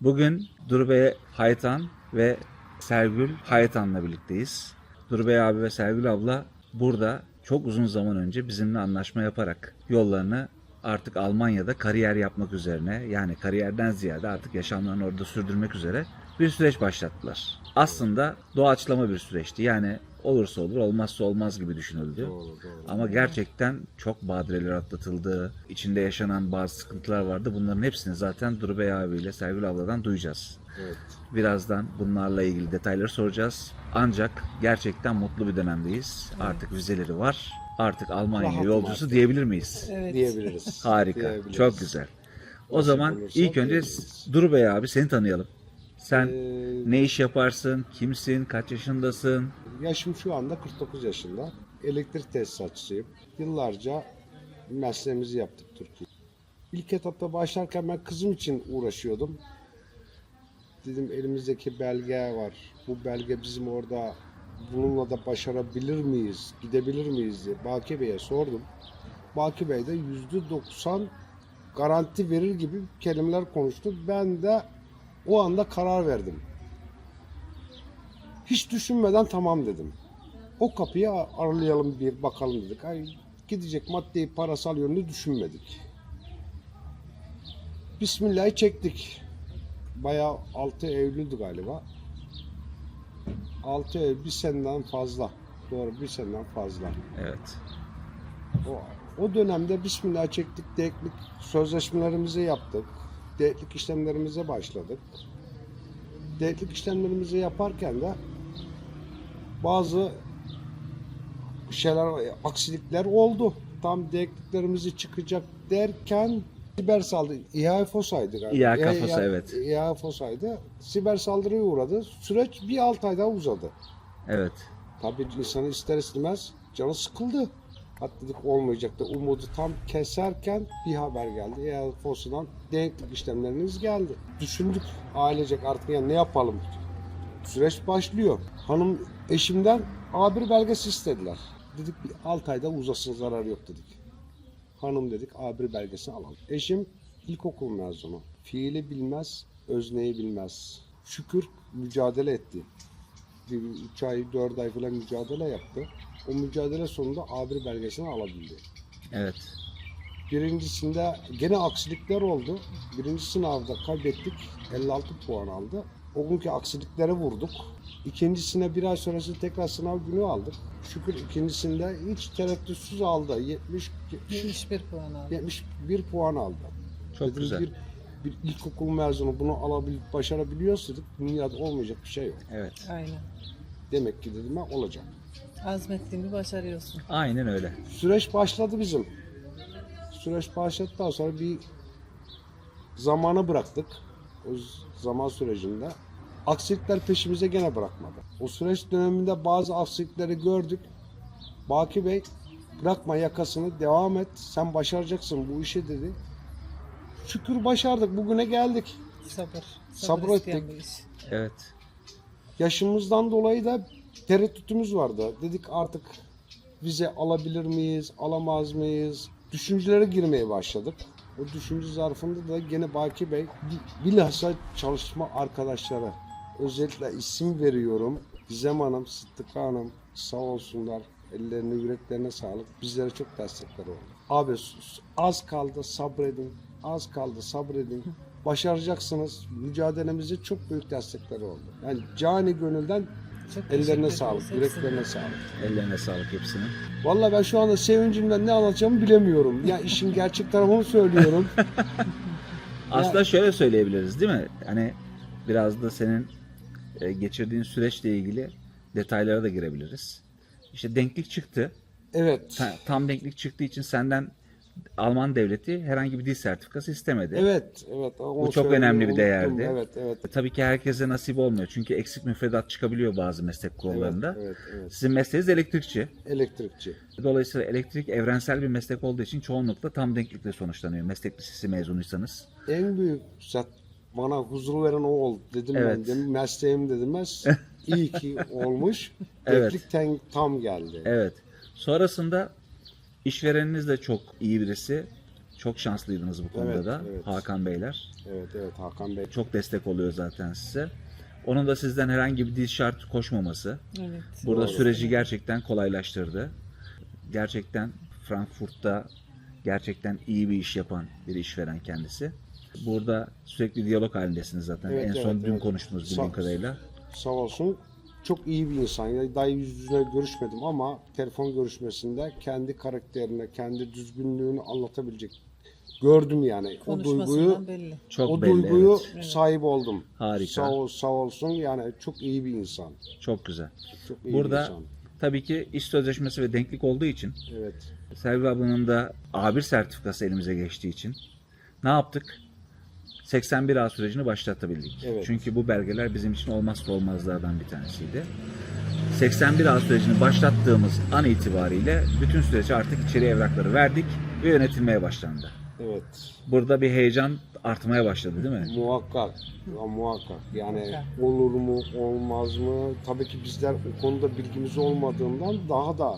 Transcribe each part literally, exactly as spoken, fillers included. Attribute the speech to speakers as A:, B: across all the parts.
A: Bugün Durbey Haytan ve Sergül Haytan'la birlikteyiz. Durbey abi ve Sergül abla burada çok uzun zaman önce bizimle anlaşma yaparak yollarını artık Almanya'da kariyer yapmak üzerine, yani kariyerden ziyade artık yaşamlarını orada sürdürmek üzere bir süreç başlattılar. Aslında doğaçlama bir süreçti. Yani olursa olur, olmazsa olmaz gibi düşünüldü.
B: Doğru, doğru.
A: Ama gerçekten çok badireler atlatıldı. İçinde yaşanan bazı sıkıntılar vardı. Bunların hepsini zaten Durbey abiyle Sergül abladan duyacağız.
B: Evet.
A: Birazdan bunlarla ilgili detayları soracağız. Ancak gerçekten mutlu bir dönemdeyiz. Artık vizeleri var. Artık Almanya
B: Rahatım
A: yolcusu
B: artık.
A: diyebilir miyiz?
C: Evet.
B: Diyebiliriz.
A: Harika.
B: Diyebiliriz.
A: Çok güzel. O
B: Nasip
A: zaman
B: olursa
A: ilk önce
B: diyebiliriz.
A: Durbey abi seni tanıyalım. Sen
B: Ee,
A: ne iş yaparsın? Kimsin? Kaç yaşındasın?
B: Yaşım şu anda kırk dokuz yaşında. Elektrik tesisatçısıyım. Yıllarca mesleğimizi yaptık Türkiye. İlk etapta başlarken ben kızım için uğraşıyordum. Dedim elimizdeki belge var. Bu belge bizim orada bununla da başarabilir miyiz? Gidebilir miyiz diye Baki Bey'e sordum. Baki Bey de yüzde doksan garanti verir gibi kelimeler konuştu. Ben de o anda karar verdim. Hiç düşünmeden tamam dedim. O kapıyı aralayalım bir bakalım dedik. Ay, gidecek maddi parasal yönünü düşünmedik. Bismillah'ı çektik. Bayağı altı Eylül'dü galiba. altı Eylül bir seneden fazla. Doğru bir seneden fazla.
A: Evet.
B: O, o dönemde Bismillah'ı çektik. Deklik sözleşmelerimizi yaptık. Deklik işlemlerimize başladık. Deklik işlemlerimizi yaparken de bazı şeyler, aksilikler oldu. Tam dekliklerimizi çıkacak derken siber saldırı, İHA FOSA'ydı galiba.
A: İHA FOSA, evet.
B: İHA FOSA'ydı. Siber saldırıya uğradı. Süreç bir altı ay daha uzadı.
A: Evet.
B: Tabii insanı ister istemez canı sıkıldı. Hatta dedik olmayacak da umudu tam keserken bir haber geldi. İHA FOSA'dan denklik işlemleriniz geldi. Düşündük ailecek artık yani ne yapalım? Süreç başlıyor. Hanım eşimden A bir belgesi istediler. Dedik bir altı ayda uzasın, zararı yok dedik. Hanım dedik A bir belgesini alalım. Eşim ilkokul mezunu. Fiili bilmez, özneyi bilmez. Şükür mücadele etti. Bir üç ay, dört ay falan mücadele yaptı. O mücadele sonunda A bir belgesini alabildi.
A: Evet.
B: Birincisinde gene aksilikler oldu. Birinci sınavda kaybettik. elli altı puan aldı. O günkü aksiliklere vurduk. İkincisine bir ay sonrası tekrar sınav günü aldık. Şükür ikincisinde hiç tereddütsüz aldı. yetmiş,
C: yetmiş bir puan aldı.
B: yetmiş bir puan aldı.
A: Çok
B: Dedim,
A: güzel.
B: Bir, bir ilkokul mezunu bunu alabilip başarabiliyorsa dedik, dünyada olmayacak bir şey yok.
A: Evet.
C: Aynen.
B: Demek ki dedim ben olacak.
C: Azmettiğini başarıyorsun.
A: Aynen öyle.
B: Süreç başladı bizim. Süreç başladıktan sonra bir zamanı bıraktık. O zaman sürecinde. Aksilikler peşimize gene bırakmadı. O süreç döneminde bazı aksilikleri gördük. Baki Bey bırakma yakasını, devam et. Sen başaracaksın bu işi dedi. Şükür başardık. Bugüne geldik.
C: Sabır.
B: Sabır
C: isteyen
B: ettik.
C: bir iş.
A: Evet.
B: Yaşımızdan dolayı da tereddütümüz vardı. Dedik artık vize alabilir miyiz, alamaz mıyız? Düşüncelere girmeye başladık. O düşünce zarfında da gene Baki Bey, bilhassa çalışma arkadaşları, özellikle isim veriyorum. Gizem Hanım, Sıddıka Hanım sağ olsunlar. Ellerine, yüreklerine sağlık. Bizlere çok destekler oldu. Abi az kaldı sabredin, az kaldı sabredin. Başaracaksınız. Mücadelemize çok büyük destekleri oldu. Yani cani gönülden
C: Çok teşekkür
B: ellerine
C: ederiz
B: sağlık,
C: hepsine.
B: yüreklerine sağlık.
A: Ellerine sağlık hepsinin.
B: Vallahi ben şu anda sevincimden ne anlatacağımı bilemiyorum. Ya işin gerçek tarafını söylüyorum.
A: Aslında şöyle söyleyebiliriz değil mi? Hani biraz da senin e, geçirdiğin süreçle ilgili detaylara da girebiliriz. İşte denklik çıktı.
B: Evet.
A: Ta- Tam denklik çıktığı için senden Alman devleti herhangi bir dil sertifikası istemedi.
B: Evet, evet. Onu
A: Bu çok
B: söylemeyi
A: önemli bir
B: unuttum.
A: değerdi.
B: Evet, evet.
A: E, Tabii ki herkese nasip olmuyor. Çünkü eksik müfredat çıkabiliyor bazı meslek kollarında.
B: Evet, evet, evet.
A: Sizin mesleğiniz elektrikçi.
B: Elektrikçi.
A: Dolayısıyla elektrik evrensel bir meslek olduğu için çoğunlukla tam denklikle sonuçlanıyor. Meslek lisesi mezunuysanız.
B: En büyük zat bana huzur veren o oldu dedim ben.
A: Evet.
B: Dedim, mesleğim dedimez. İyi ki olmuş.
A: Evet.
B: Denklik ten- tam geldi.
A: Evet. Sonrasında işvereniniz de çok iyi birisi. Çok şanslıydınız bu konuda
B: Evet,
A: da
B: evet.
A: Hakan Beyler.
B: Evet evet Hakan Bey.
A: Çok destek oluyor zaten size. Onun da sizden herhangi bir dil şart koşmaması
C: Evet.
A: burada
B: Doğru.
A: süreci gerçekten kolaylaştırdı. Gerçekten Frankfurt'ta gerçekten iyi bir iş yapan bir işveren kendisi. Burada sürekli diyalog halindesiniz zaten.
B: Evet,
A: en son
B: evet,
A: dün
B: evet.
A: konuştunuz bildiğim
B: Sağ-
A: kadarıyla.
B: Sağ olsun. Çok iyi bir insan. Yani daha yüz yüze görüşmedim ama telefon görüşmesinde kendi karakterine, kendi düzgünlüğünü anlatabilecek. Gördüm yani. O duyguyu
C: Konuşmasından belli.
A: Çok
B: o
A: belli,
B: duyguyu
A: evet.
B: sahip oldum.
A: Harika.
B: Sağ, ol, sağ olsun. Yani çok iyi bir insan.
A: Çok güzel.
B: Çok iyi bir
A: Burada
B: insan.
A: tabii ki iş sözleşmesi ve denklik olduğu için,
B: Evet.
A: Sergül ablanın da A bir sertifikası elimize geçtiği için ne yaptık? seksen bir A sürecini başlatabildik.
B: Evet.
A: Çünkü bu belgeler bizim için olmazsa olmazlardan bir tanesiydi. seksen bir A sürecini başlattığımız an itibariyle bütün süreci artık içeri evrakları verdik ve yönetilmeye başlandı.
B: Evet.
A: Burada bir heyecan artmaya başladı değil mi?
B: Muhakkak. Ya, muhakkak. Yani
C: Muhakkak.
B: olur mu, olmaz mı? Tabii ki bizler o konuda bilgimiz olmadığından daha da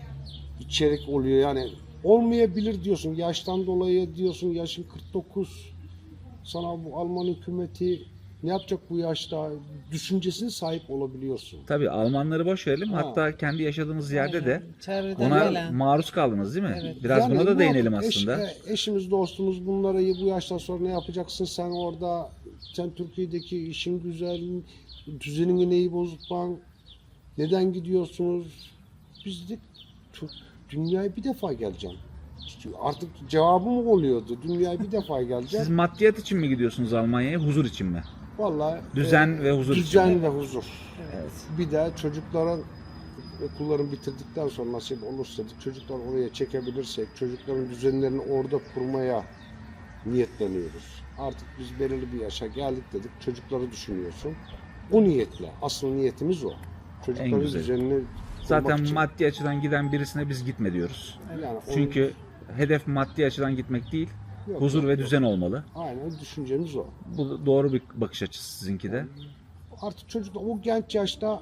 B: içerik oluyor. Yani olmayabilir diyorsun. Yaştan dolayı diyorsun. Yaşın kırk dokuz. Sana bu Alman hükümeti ne yapacak bu yaşta? Düşüncesine sahip olabiliyorsun.
A: Tabii Almanları boş verelim.
B: Ha.
A: Hatta kendi yaşadığımız yerde de
C: Aynen. Çevreden
A: ona
C: gelen.
A: maruz kaldınız değil mi?
C: Evet.
A: Biraz
B: Yani
A: buna da
B: bu
A: değinelim
B: eş-
A: aslında.
B: e, eşimiz, dostumuz bunlara bu yaştan sonra ne yapacaksın sen orada? Sen Türkiye'deki işin güzel, düzenini neyi bozukman? Neden gidiyorsunuz? Biz de çok, dünyaya bir defa geleceğim. Artık cevabım oluyordu. Dünyaya bir defa geleceğim.
A: Siz maddiyat için mi gidiyorsunuz Almanya'ya, huzur için mi?
B: Vallahi
A: Düzen ve huzur
B: Düzen
A: için.
B: ve huzur.
C: Evet.
B: Bir de çocukların okullarını bitirdikten sonra nasip olursa çocuklar oraya çekebilirsek çocukların düzenlerini orada kurmaya niyetleniyoruz. Artık biz belirli bir yaşa geldik dedik. Çocukları düşünüyorsun. O niyetle. Asıl niyetimiz o. Çocukların
A: güzeli.
B: düzenini kurmak
A: Zaten
B: için.
A: maddi açıdan giden birisine biz gitme diyoruz.
B: Yani o-
A: Çünkü hedef maddi açıdan gitmek değil,
B: Yok,
A: huzur
B: yok,
A: ve
B: yok.
A: düzen olmalı.
B: Aynen düşüncemiz o.
A: Bu doğru bir bakış açısı sizinki de.
B: Artık çocuk o genç yaşta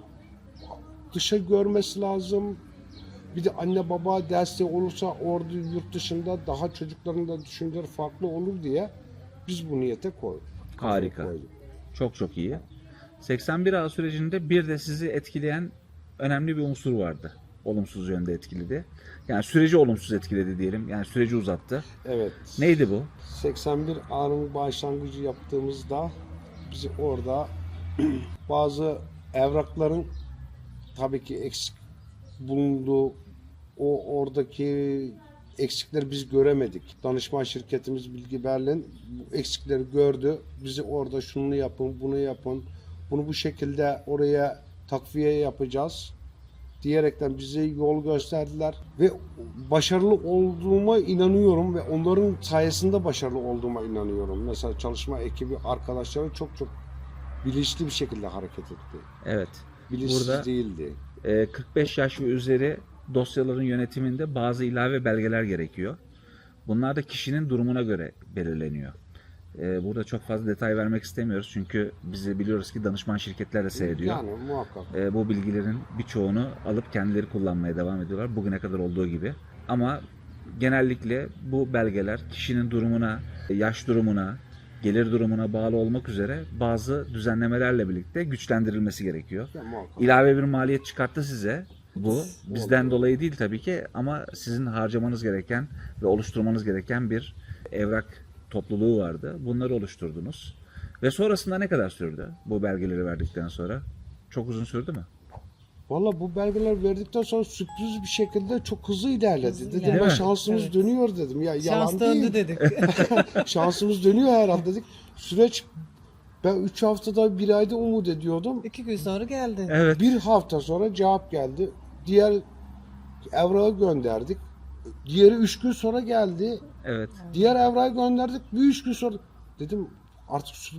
B: dışa görmesi lazım. Bir de anne baba desteği olursa orada yurt dışında daha çocukların da düşünceleri farklı olur diye biz bu niyete koyduk.
A: Harika.
B: Koyduk.
A: Çok çok iyi. seksen bir A sürecinde bir de sizi etkileyen önemli bir unsur vardı. Olumsuz yönde etkiledi. Yani süreci olumsuz etkiledi diyelim. Yani süreci uzattı.
B: Evet.
A: Neydi bu?
B: seksen bir A'nın başlangıcı yaptığımızda bizi orada bazı evrakların tabii ki eksik bulunduğu o oradaki eksikleri biz göremedik. Danışman şirketimiz Bilgi Berlin bu eksikleri gördü. Bizi orada şunu yapın, bunu yapın, bunu bu şekilde oraya takviye yapacağız diyerekten bize yol gösterdiler ve başarılı olduğuma inanıyorum ve onların sayesinde başarılı olduğuma inanıyorum. Mesela çalışma ekibi arkadaşları çok çok bilinçli bir şekilde hareket etti.
A: Evet.
B: Bilinçsiz
A: Burada
B: değildi.
A: e, kırk beş yaş ve üzeri dosyaların yönetiminde bazı ilave belgeler gerekiyor. Bunlar da kişinin durumuna göre belirleniyor. E, burada çok fazla detay vermek istemiyoruz çünkü bizi biliyoruz ki danışman şirketler de seyrediyor.
B: Yani muhakkak.
A: E, bu bilgilerin birçoğunu alıp kendileri kullanmaya devam ediyorlar. Bugüne kadar olduğu gibi. Ama genellikle bu belgeler kişinin durumuna, yaş durumuna, gelir durumuna bağlı olmak üzere bazı düzenlemelerle birlikte güçlendirilmesi gerekiyor.
B: Ya, muhakkak.
A: İlave bir maliyet çıkarttı size. Bu bizden
B: Oldu.
A: dolayı değil tabii ki ama sizin harcamanız gereken ve oluşturmanız gereken bir evrak topluluğu vardı. Bunları oluşturdunuz. Ve sonrasında ne kadar sürdü bu belgeleri verdikten sonra? Çok uzun sürdü mü?
B: Valla bu belgeler verdikten sonra sürpriz bir şekilde çok hızlı ilerledi.
C: Hızlı
B: Dedim
C: ilerledi.
B: ben
A: Evet.
B: şansımız
C: Evet.
B: dönüyor dedim. Ya yalan
C: Şans
B: değil.
C: döndü dedik.
B: Şansımız dönüyor herhalde dedik. Süreç ben üç haftada bir ayda umut ediyordum.
C: İki gün sonra geldi.
A: Evet.
B: Bir hafta sonra cevap geldi. Diğer evrağı gönderdik. Diğeri üç gün sonra geldi.
A: Evet.
B: Diğer evrağı gönderdik. Bir üç gün sonra dedim artık sü-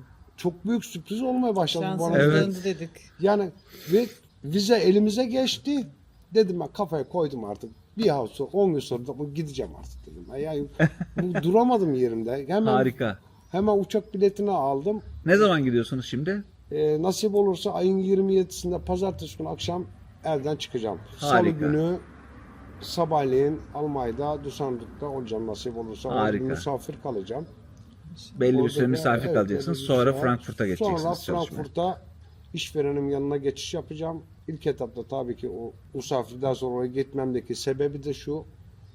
B: çok büyük sürpriz olmaya başladı
C: Şansımız
B: bana.
A: Evet.
C: döndü dedik.
B: Yani ve vize elimize geçti. Dedim ben kafaya koydum artık. Bir hafta sonra, on gün sonra da bu gideceğim artık dedim. Yani bu duramadım yerimde. Hemen
A: Harika.
B: hemen uçak biletini aldım.
A: Ne zaman gidiyorsunuz şimdi?
B: Ee, nasip olursa ayın yirmi yedisinde pazartesi günü akşam evden çıkacağım. Salı
A: Harika.
B: günü sabahleyin Almanya'da, Düsseldorf'ta olacağım nasip olursa. Orada
A: Harika.
B: misafir kalacağım.
A: Belli bir
B: Orada
A: süre
B: da-
A: misafir
B: evet,
A: kalacaksınız.
B: belli bir
A: Sonra
B: süre.
A: Frankfurt'a geçeceksiniz
B: Sonra
A: çalışmaya.
B: Frankfurt'a işverenim yanına geçiş yapacağım. İlk etapta tabii ki o misafirden sonra oraya gitmemdeki sebebi de şu.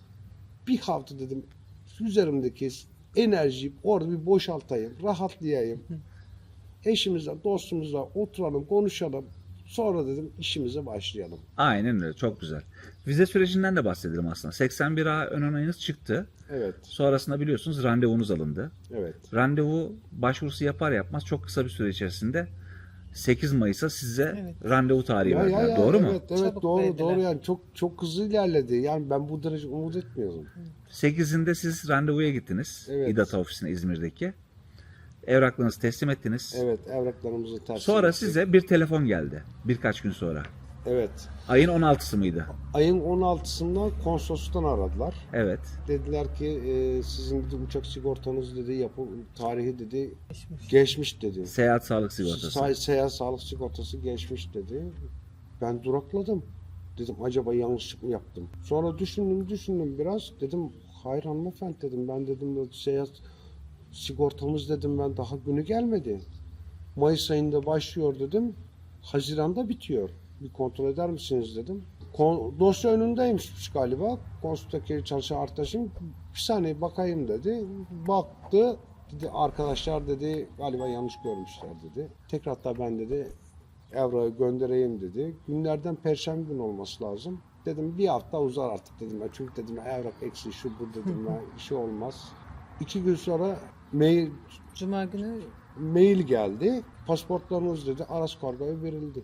B: Bir hafta dedim üzerimdeki enerjiyi orada bir boşaltayım, rahatlayayım. Eşimizle, dostumuzla oturalım, konuşalım. Sonra dedim işimize başlayalım.
A: Aynen öyle. Çok güzel. Vize sürecinden de bahsedelim aslında. seksen bir A ön onayınız çıktı.
B: Evet,
A: Sonrasında biliyorsunuz randevunuz alındı.
B: evet.
A: Randevu başvurusu yapar yapmaz çok kısa bir süre içerisinde sekiz Mayıs'a size
C: Evet.
A: randevu tarihi
B: Ya, ya,
A: verdiler.
B: ya,
A: Doğru
B: evet,
A: mu?
B: Evet,
C: Çabuk
B: doğru,
C: verdiler.
B: doğru yani çok çok hızlı ilerledi. Yani ben bu derece umut etmiyordum.
A: sekizinde siz randevuya gittiniz.
B: Evet.
A: İDATA ofisine İzmir'deki. Evraklarınızı teslim ettiniz.
B: Evet, evraklarımızı ters
A: Sonra
B: ettik.
A: size bir telefon geldi. Birkaç gün sonra.
B: Evet.
A: Ayın on altısı mıydı?
B: Ayın on altısında konsolosluktan aradılar.
A: Evet.
B: Dediler ki e, sizin dedi, uçak sigortanız dedi yapı tarihi dedi
C: Geçmiş.
B: geçmiş dedi.
A: Seyahat sağlık sigortası.
B: Say, seyahat sağlık sigortası geçmiş dedi. Ben durakladım. Dedim acaba yanlışlık mı yaptım? Sonra düşündüm düşündüm biraz. Dedim hayır hanımefendi dedim. Ben dedim seyahat sigortamız dedim ben daha günü gelmedi. Mayıs ayında başlıyor dedim. Haziran'da bitiyor. Bir kontrol eder misiniz dedim. Kon- dosya önündeymiş galiba. Konsultaki çalışan arkadaşım bir saniye bakayım dedi. Baktı. Dedi arkadaşlar dedi galiba yanlış görmüşler dedi. Tekrar da ben dedi evrağı göndereyim dedi. Günlerden perşembe gün olması lazım. Dedim bir hafta uzar artık dedim. Ben. Çünkü dedim evrak eksi şu bu dedim. Ben, işi olmaz. İki gün sonra mail
C: Cuma günü
B: mail geldi. Pasaportlarınız dedi Aras Kargo'ya verildi.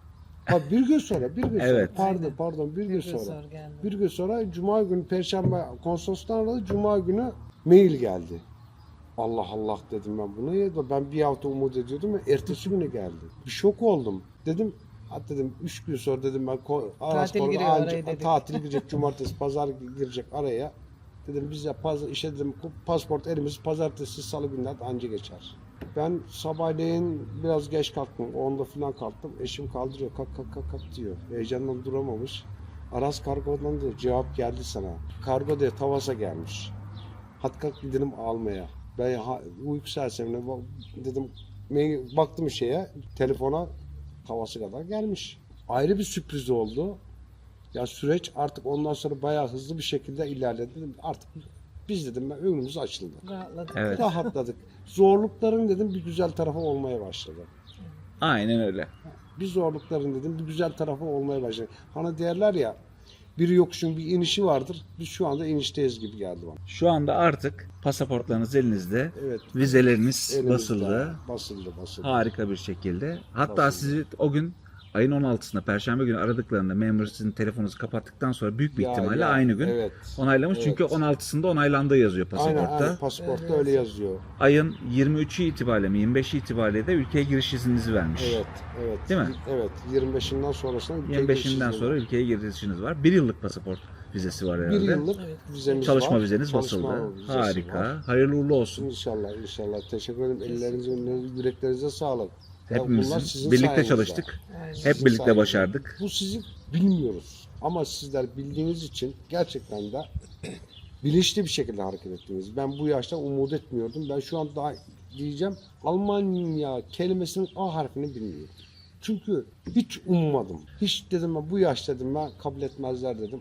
B: Ha bir gün sonra, bir gün
A: Evet.
B: sonra. Pardon,
C: Aynen.
B: pardon, bir gün
C: bir gün
B: sonra.
C: sonra geldi.
B: Bir gün sonra Cuma günü Perşembe konsolosluğundan aradı. Cuma günü mail geldi. Allah Allah dedim ben bunu ya. Ben bir hafta umut ediyordum. Ertesi günü geldi. Bir şok oldum. Dedim ha dedim üç gün sonra dedim ben ko- Aras
C: Tatil
B: Kargo
C: giriyor
B: anca-
C: araya dedik.
B: tatil girecek cumartesi pazar girecek araya. Dedim biz ya pazar işe dedim pasport elimiz pazartesi salı günler anca geçer. Ben sabahleyin biraz geç kalktım. onda falan kalktım. Eşim kaldırıyor. Kalk kalk kalk kalk diyor. Heyecandan duramamış. Aras Kargo'dan diyor cevap geldi sana. Kargo diye Tavas'a gelmiş. Hadi kalk gidelim almaya. Ben ha, uyku sersemine bak- dedim mail- baktım şeye telefona Tavas'a kadar gelmiş. Ayrı bir sürpriz oldu. Ya süreç artık ondan sonra bayağı hızlı bir şekilde ilerledi. Dedim, artık biz dedim ben önümüz açıldı.
C: Rahatladık.
A: Evet.
B: Rahatladık. Zorlukların dedim bir güzel tarafı olmaya başladı.
A: Aynen öyle.
B: Bir zorlukların dedim bir güzel tarafı olmaya başladı. Hani derler ya bir yokuşun bir inişi vardır. Biz şu anda inişteyiz gibi geldi bana.
A: Şu anda artık pasaportlarınız elinizde.
B: Evet.
A: Vizeleriniz
B: Elimizde.
A: basıldı.
B: Basıldı basıldı.
A: Harika bir şekilde. Hatta
B: Basıldı.
A: sizi o gün ayın on altısında Perşembe günü aradıklarında memur sizin telefonunuzu kapattıktan sonra büyük bir
B: Ya,
A: ihtimalle
B: ya,
A: aynı gün
B: evet.
A: onaylamış.
B: Evet.
A: Çünkü on altısında onaylandığı yazıyor
B: Aynen
A: pasaportta.
B: aynen pasaportta
C: Öyle
B: öyle yazıyor.
A: Ayın yirmi üçü itibariyle mi yirmi beşi itibariyle de ülkeye giriş izninizi vermiş.
B: Evet, evet.
A: Değil mi?
B: Evet, yirmi beşinden sonrasında ülkeye
A: yirmi beşinden
B: geçişimiz
A: sonra
B: var.
A: ülkeye girişiniz var. Bir yıllık pasaport vizesi var herhalde.
B: bir yıllık
C: Evet.
B: vizemiz
A: Çalışma
B: var.
A: vizeniz
B: Çalışma
A: basıldı.
B: vizesi
A: Harika.
B: var.
A: Hayırlı uğurlu olsun.
B: İnşallah inşallah. Teşekkür ederim. Ellerinize, yüreklerinize sağlık. Ya bunlar
A: Hepimizin
B: sizin
A: birlikte
B: sayenizde.
A: çalıştık.
C: Aynen.
A: Hep
B: Sizin
A: birlikte
B: sayenizde.
A: başardık.
B: Bu sizi bilmiyoruz. Ama sizler bildiğiniz için gerçekten de bilinçli bir şekilde hareket ettiniz. Ben bu yaşta umut etmiyordum. Ben şu an daha diyeceğim Almanya kelimesinin A harfini bilmiyorum. Çünkü hiç ummadım. Hiç dedim ben bu yaş dedim ben kabul etmezler dedim.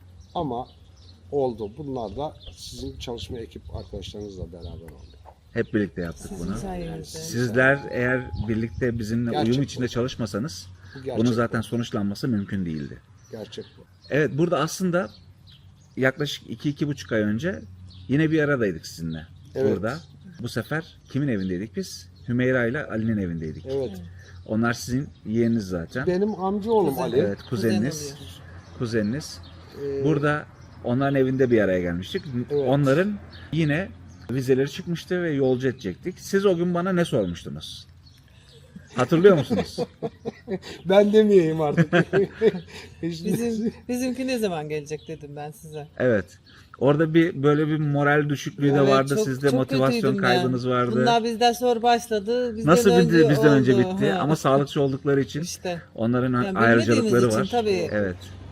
B: Ama oldu. Bunlar da sizin çalışma ekip arkadaşlarınızla beraber oldu.
A: Hep birlikte yaptık
C: Sizin
A: bunu.
C: sayenizde.
A: Sizler eğer birlikte bizimle
B: Gerçek
A: uyum
B: bu.
A: içinde çalışmasanız
B: Bu gerçek
A: bunun
B: bu.
A: zaten sonuçlanması mümkün değildi.
B: Gerçek bu.
A: Evet, burada aslında yaklaşık iki iki buçuk ay önce yine bir aradaydık sizinle.
B: Evet.
A: Burada. Bu sefer kimin evindeydik biz? Hümeyra ile Ali'nin evindeydik.
B: Evet.
A: Onlar sizin yeğeniniz zaten.
B: Benim amcaoğlum
C: Kuzen.
B: Ali.
A: Evet, kuzeniniz.
C: Kuzen oluyor.
A: Kuzeniniz.
B: Ee,
A: Burada onların evinde bir araya gelmiştik.
B: Evet.
A: Onların yine vizeleri çıkmıştı ve yolcu edecektik. Siz o gün bana ne sormuştunuz? Hatırlıyor musunuz?
B: ben demeyeyim artık.
C: Bizim, bizimki ne zaman gelecek dedim ben size.
A: Evet. Orada bir böyle bir moral düşüklüğü de
C: Evet,
A: vardı.
C: çok-
A: Sizde
C: çok
A: motivasyon
C: kötüydüm
A: kaybınız
C: ben.
A: vardı.
C: Bunlar bizden sonra başladı. Bizden
A: Nasıl
C: önce
A: bitti? Bizden önce
C: oldu.
A: bitti.
C: Ha.
A: Ama sağlıkçı oldukları için
C: İşte.
A: onların
C: Yani
A: ayrıcalıkları
C: bilmediğimiz
A: var.
C: için tabii.
A: Evet.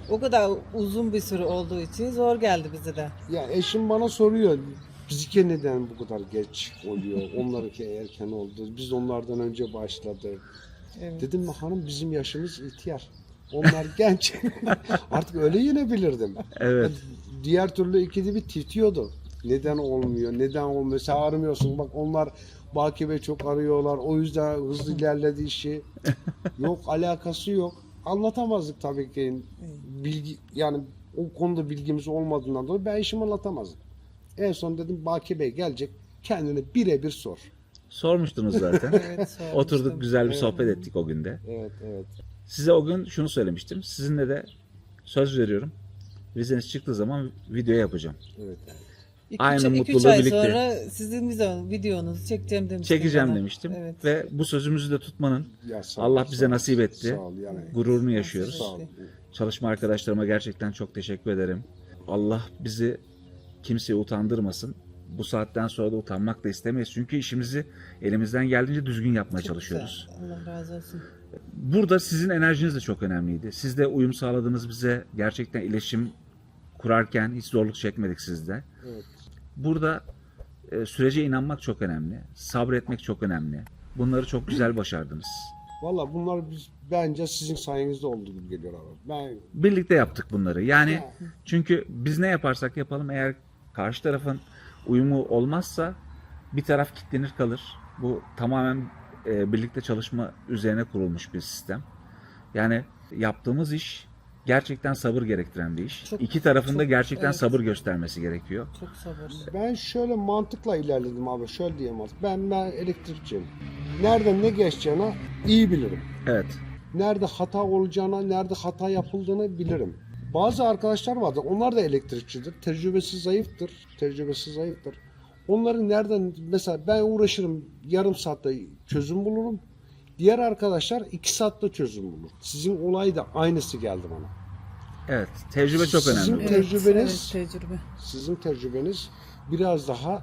C: O kadar uzun bir süre olduğu için zor geldi bize de.
B: Ya eşim bana soruyor, bizimki neden bu kadar geç oluyor? Onlarınki erken oldu. Biz onlardan önce başladık.
C: Evet.
B: Dedim mi hanım, bizim yaşımız ihtiyar. Onlar genç. Artık öyle yenebilirdim.
A: Evet.
B: Diğer türlü ikide bir titriyordu. Neden olmuyor? Neden olmuyor? Sen aramıyorsun. Bak onlar Baki Bey çok arıyorlar. O yüzden hızlı ilerledi işi. Yok, alakası yok. Anlatamazdık tabii ki. Bilgi, yani o konuda bilgimiz olmadığından dolayı ben işimi anlatamazdım. En son dedim Baki Bey gelecek. Kendine birebir sor.
A: Sormuştunuz zaten.
C: Evet, sormuştum.
A: Oturduk, güzel bir
B: Evet.
A: sohbet ettik o günde.
B: Evet, evet.
A: Size o gün şunu söylemiştim. Sizinle de söz veriyorum. Vizeniz çıktığı zaman video yapacağım.
B: Evet.
C: İki,
A: Aynı
C: üç, iki, üç
A: mutluluğu
C: ay
A: birlikte.
C: sonra sizin video, videonuzu çekeceğim demiştim.
A: Çekeceğim
C: bana.
A: demiştim.
C: Evet.
A: Ve bu sözümüzü de tutmanın
B: Ya sağ
A: Allah
B: ol,
A: bize
B: sağ ol.
A: nasip etti.
B: Sağ ol yani.
A: Gururunu yaşıyoruz.
B: Sağ ol.
A: Çalışma arkadaşlarıma gerçekten çok teşekkür ederim. Allah bizi kimseye utandırmasın. Bu saatten sonra da utanmak da istemeyiz. Çünkü işimizi elimizden geldiğince düzgün yapmaya
C: Çok
A: çalışıyoruz.
C: güzel. Allah razı olsun.
A: Burada sizin enerjiniz de çok önemliydi. Siz de uyum sağladınız bize. Gerçekten iletişim kurarken hiç zorluk çekmedik sizde.
B: Evet.
A: Burada e, sürece inanmak çok önemli. Sabretmek çok önemli. Bunları çok güzel başardınız.
B: Valla bunlar biz, bence sizin sayenizde olduğu gibi geliyor abi. Ben
A: Birlikte yaptık bunları. Yani çünkü biz ne yaparsak yapalım, eğer karşı tarafın uyumu olmazsa bir taraf kilitlenir kalır. Bu tamamen e, birlikte çalışma üzerine kurulmuş bir sistem. Yani yaptığımız iş gerçekten sabır gerektiren bir iş.
C: Çok-
A: İki tarafın da
C: çok-
A: gerçekten
C: evet.
A: sabır göstermesi gerekiyor.
C: Çok sabır.
B: ben şöyle mantıkla ilerledim abi. Şöyle diyeyim artık. Ben ben elektrikçiyim. Nereden ne geçeceğini iyi bilirim.
A: Evet.
B: Nerede hata olacağına, nerede hata yapıldığını bilirim. Bazı arkadaşlar vardır. Onlar da elektrikçidir. Tecrübesi zayıftır. Tecrübesi zayıftır. Onların nereden, mesela ben uğraşırım, yarım saatte çözüm bulurum. Diğer arkadaşlar iki saatte çözüm bulur. Sizin olay da aynısı geldi bana.
A: Evet. Tecrübe çok
B: Sizin
A: önemli.
C: Evet,
B: tecrübeniz-
C: evet, tecrübe.
B: Sizin tecrübeniz biraz daha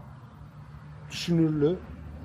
B: düşünürlü,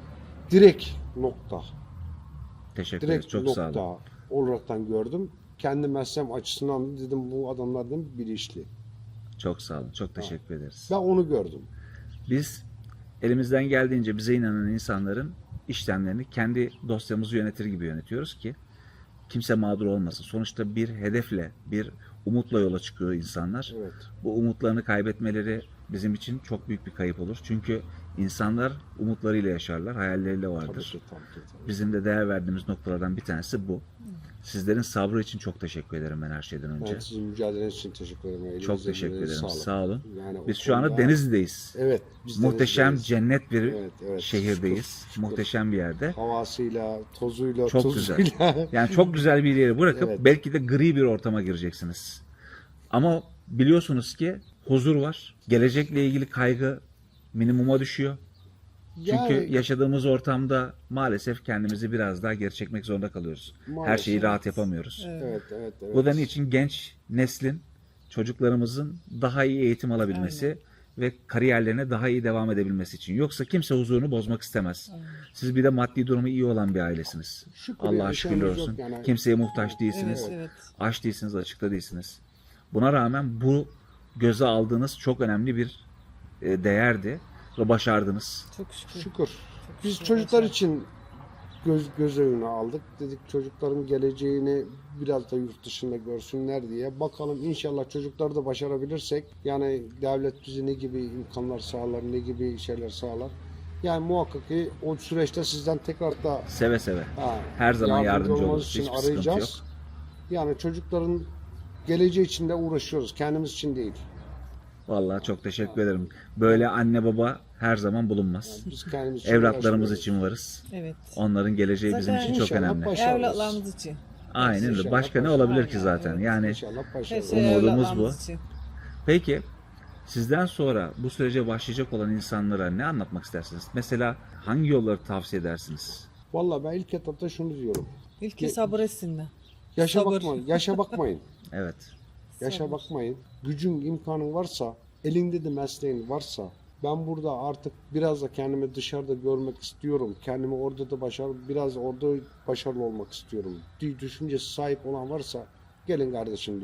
B: direkt nokta.
A: Teşekkür ederiz.
B: Direkt
A: Çok sağ
B: nokta
A: olun.
B: olaraktan gördüm. Kendi mesleğim açısından dedim bu adamlar dedim bilinçli.
A: Çok sağ olun. Çok teşekkür ederiz.
B: Ben onu gördüm.
A: Biz elimizden geldiğince bize inanan insanların işlemlerini kendi dosyamızı yönetir gibi yönetiyoruz ki kimse mağdur olmasın. Sonuçta bir hedefle, bir umutla yola çıkıyor insanlar.
B: Evet.
A: Bu umutlarını kaybetmeleri bizim için çok büyük bir kayıp olur. Çünkü insanlar umutlarıyla yaşarlar, hayalleriyle
B: Tabii
A: vardır.
B: ki, tabii ki, tabii.
A: Bizim de değer verdiğimiz noktalardan bir tanesi bu. Sizlerin sabrı için çok teşekkür ederim ben her şeyden önce.
B: Ben sizin mücadeleniz için teşekkür ederim. Elinize,
A: Çok teşekkür
B: emeğinize
A: ederim.
B: sağlık.
A: Sağ olun.
B: Yani o
A: Biz şu anda
B: konuda-
A: Denizli'deyiz.
B: Evet. Biz
A: Muhteşem
B: Denizli'deyiz.
A: cennet bir
B: Evet, evet.
A: şehirdeyiz.
B: Şükür, şükür.
A: Muhteşem bir yerde.
B: Havasıyla, tozuyla,
A: Çok
B: tuzuyla.
A: Yani çok güzel bir yere bırakıp
B: Evet.
A: belki de gri bir ortama gireceksiniz. Ama biliyorsunuz ki huzur var. Gelecekle ilgili kaygı minimuma düşüyor. Çünkü
B: Yani-
A: yaşadığımız ortamda maalesef kendimizi biraz daha geri çekmek zorunda kalıyoruz. Her
B: Maalesef.
A: şeyi rahat yapamıyoruz.
B: Evet, evet, evet.
A: Bu da niçin genç neslin, çocuklarımızın daha iyi eğitim alabilmesi ve kariyerlerine daha iyi devam edebilmesi için. Yoksa kimse huzurunu bozmak istemez. Siz bir de maddi durumu iyi olan bir ailesiniz.
B: Şükür
A: Allah'a
B: ya,
A: şükürler
B: şeyimiz
A: olsun.
B: yok yani.
A: Kimseye muhtaç değilsiniz.
C: Evet, evet.
A: Aç değilsiniz, açıkta değilsiniz. Buna rağmen bu göze aldığınız çok önemli bir e, değerdi ve başardınız.
C: Çok şükür.
B: Şükür. Biz
C: şükür.
B: çocuklar için göz göz önüne aldık. Dedik çocukların geleceğini biraz da yurt dışında görsünler diye. Bakalım inşallah çocukları da başarabilirsek, yani devlet bize ne gibi imkanlar sağlar, ne gibi şeyler sağlar. Yani muhakkak ki o süreçte sizden tekrar da
A: Seve seve.
B: ha,
A: Her zaman yardımcı
B: olmanız
A: oluruz.
B: için
A: Hiçbir sıkıntı yok.
B: Yani çocukların geleceği için de uğraşıyoruz. Kendimiz için değil.
A: Vallahi çok teşekkür ederim. Böyle anne baba her zaman bulunmaz.
B: Biz kendimiz için
A: Evlatlarımız
B: uğraşmıyoruz.
A: için varız.
C: Evet.
A: Onların geleceği bizim
C: Zaten
A: için çok
B: İnşallah
A: önemli.
B: başarırız.
C: Evlatlarımız için.
A: Aynen öyle.
B: İnşallah
A: Başka ne
B: başarırız.
A: olabilir ki
C: Aynen,
A: zaten?
C: evet.
A: Yani
B: İnşallah
C: Her
B: başarırız.
C: şey
A: Umudumuz
C: evlatlarımız
A: bu.
C: için.
A: peki sizden sonra bu sürece başlayacak olan insanlara ne anlatmak istersiniz? Mesela hangi yolları tavsiye edersiniz?
B: Vallahi ben ilk etapta şunu diyorum.
C: İlki sabır etsinler.
B: Yaşa
C: Sabır.
B: bakmayın. Yaşa bakmayın.
A: Evet.
B: Yaşa
C: Sabır.
B: bakmayın. Gücün, imkanın varsa, elinde de mesleğin varsa, ben burada artık biraz da kendimi dışarıda görmek istiyorum. Kendimi orada da başarılı, biraz orada başarılı olmak istiyorum. Düşüncesi sahip olan varsa gelin kardeşim diyorum.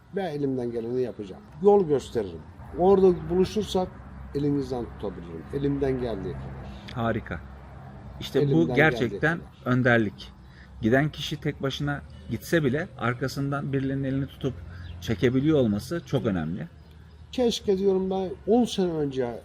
B: Ben elimden geleni yapacağım. Yol gösteririm. Orada buluşursak elinizden tutabilirim. Elimden geldiği kadar.
A: Harika. İşte
B: Elimden
A: bu gerçekten
B: geldiği
A: önderlik. Giden kişi tek başına gitse bile arkasından birilerinin elini tutup çekebiliyor olması çok önemli.
B: Keşke diyorum ben on sene önce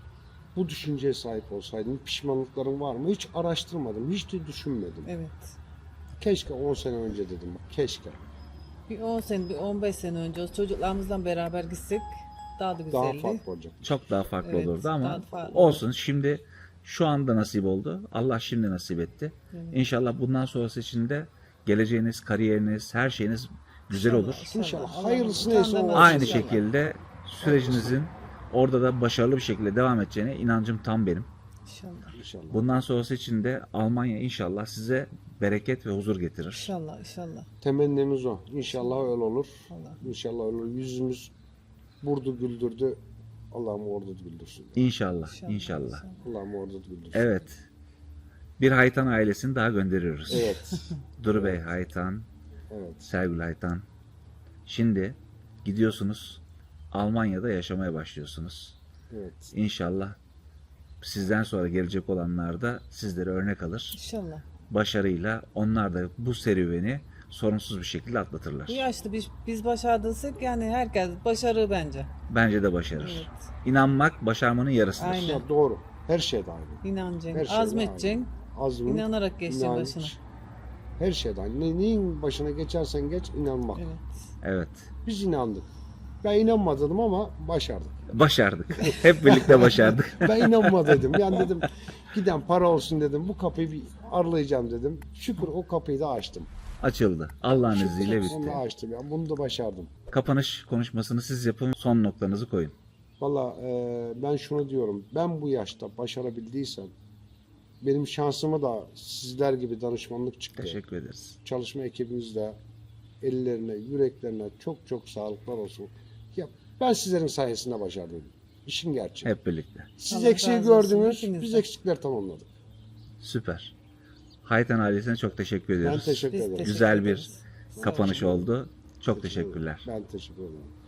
B: bu düşünceye sahip olsaydım. Pişmanlıklarım var mı? Hiç araştırmadım. Hiç de düşünmedim.
C: Evet.
B: Keşke on sene önce dedim. Bak, keşke.
C: Bir on sene, bir on beş sene önce o çocuklarımızla beraber gitsek daha da güzeldi.
B: Daha farklı olacak.
A: Çok daha farklı
C: Evet,
A: olurdu
C: daha
A: ama
C: farklı.
A: olsun. Şimdi şu anda nasip oldu. Allah şimdi nasip etti. İnşallah bundan sonrası için de geleceğiniz, kariyeriniz, her şeyiniz güzel
C: İnşallah,
A: olur.
B: İnşallah.
C: Allah
B: Hayırlısı
C: utandan
B: neyse o
C: olsun
B: olsun.
A: Aynı
C: inşallah.
A: şekilde sürecinizin orada da başarılı bir şekilde devam edeceğine inancım tam benim.
C: İnşallah.
B: İnşallah.
A: Bundan sonrası için de Almanya inşallah size bereket ve huzur getirir.
C: İnşallah, inşallah.
B: Temennimiz o. İnşallah öyle olur.
C: Allah.
B: İnşallah öyle olur. Yüzümüz vurdu güldürdü. Allah'ım orada güldürsün.
A: İnşallah, inşallah.
B: Allah'ım orada güldürsün.
A: Evet. Bir Haytan ailesini daha gönderiyoruz.
B: Evet.
A: Duru Bey Haytan,
B: Evet.
A: Sergül Haytan. Şimdi gidiyorsunuz, Almanya'da yaşamaya başlıyorsunuz.
B: Evet.
A: İnşallah sizden sonra gelecek olanlar da sizlere örnek alır.
C: İnşallah.
A: Başarıyla onlar da bu serüveni sorunsuz bir şekilde atlatırlar.
C: Bu yaşta biz, biz başardıysak yani herkes başarır bence.
A: Bence de başarır.
C: Evet.
A: İnanmak başarmanın yarısıdır.
C: Aynen.
B: Ya doğru. Her şeyde aynı.
C: İnanacaksın,
B: Her şeyde
C: azmedeceksin,
B: Azmin,
C: inanarak geçeceksin
B: inanç,
C: başına.
B: her şeyde aynı. Ne, neyin başına geçersen geç inanmak.
C: Evet.
A: Evet.
B: Biz inandık. Ben inanmadım ama başardık.
A: Başardık. Hep birlikte başardık.
B: Ben inanma dedim. Yani dedim giden para olsun dedim. Bu kapıyı bir aralayacağım dedim. Şükür o kapıyı da açtım.
A: Açıldı. Allah'ın
B: Şükür
A: izniyle
B: onu
A: bitti.
B: da açtım. Yani bunu da başardım.
A: Kapanış konuşmasını siz yapın. Son noktanızı koyun.
B: Valla e, ben şunu diyorum. Ben bu yaşta başarabildiysem benim şansıma da sizler gibi danışmanlık çıktı.
A: Teşekkür ederiz.
B: Çalışma ekibimizde ellerine, yüreklerine çok çok sağlıklar olsun. Ya ben sizlerin sayesinde başardım. İşin gerçeği.
A: Hep birlikte.
B: Siz
C: Allah
B: eksiği
C: razı olsun,
B: gördünüz,
C: hepinizden.
B: biz eksikler tamamladık.
A: Süper. Haytan ailesine çok teşekkür
B: Ben
A: ediyoruz.
B: teşekkür
C: Biz
B: ederim.
C: teşekkür
A: Güzel bir
C: ederiz.
A: kapanış oldu. Çok teşekkürler.
B: Ben teşekkür ederim.